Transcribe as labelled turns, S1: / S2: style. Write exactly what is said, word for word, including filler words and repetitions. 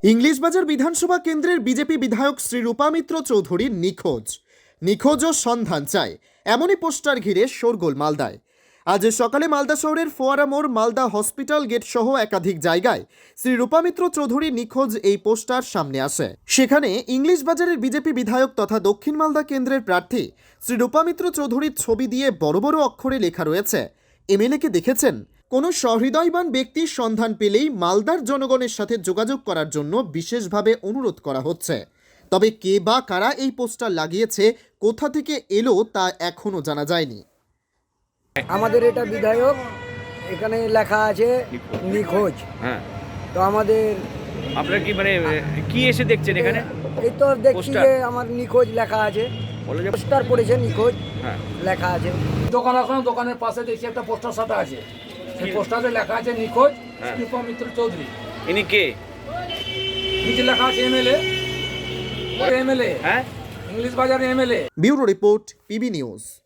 S1: ইংলিশবাজার বিধানসভা কেন্দ্রের বিজেপি বিধায়ক শ্রী রূপা মিত্র চৌধুরী নিখোঁজ নিখোঁজ ও সন্ধান চাই এমনই পোস্টার ঘিরে শোরগোল মালদায়। আজ সকালে মালদা শহরের ফোয়ারা মোড়, মালদা হসপিটাল গেট সহ একাধিক জায়গায় শ্রী রূপা মিত্র চৌধুরী নিখোঁজ এই পোস্টার সামনে আসে। সেখানে ইংলিশবাজারের বিজেপি বিধায়ক তথা দক্ষিণ মালদা কেন্দ্রের প্রার্থী শ্রী রূপা মিত্র চৌধুরীর ছবি দিয়ে বড় বড় অক্ষরে লেখা রয়েছে, এমএলএকে দেখেছেন? কোনো সহৃদয়বান ব্যক্তির সন্ধান পেলেই মালদার জনগণের সাথে যোগাযোগ করার জন্য বিশেষভাবে অনুরোধ করা হচ্ছে। তবে কে বা কারা এই পোস্টার লাগিয়েছে, কোথা থেকে এলো তা এখনো জানা যায়নি।
S2: আমাদের এটা বিধায়ক, এখানে লেখা আছে নিখোঁজ।
S3: হ্যাঁ,
S2: তো আমাদের
S3: আপনারা কি মানে কি এসে দেখছেন এখানে?
S2: এই তো দেখছি
S3: পোস্টার?
S2: যে আমার নিখোঁজ লেখা আছে,
S3: বলে যে
S2: পোস্টার পড়েছে নিখোঁজ
S3: হ্যাঁ,
S2: লেখা আছে।
S4: দোকান এখন দোকানের পাশে দেখছি একটা পোস্টার সাটা আছে, সেই পোস্টারে লেখা আছে নিখোঁজ
S3: হ্যাঁ।
S4: রূপা মিত্র চৌধুরী।
S3: ইনি কে?
S4: নিচে লেখা আছে এমএলএ, এমএলএ
S3: হ্যাঁ,
S4: English Bazar MLA.
S1: Bureau report, PB news.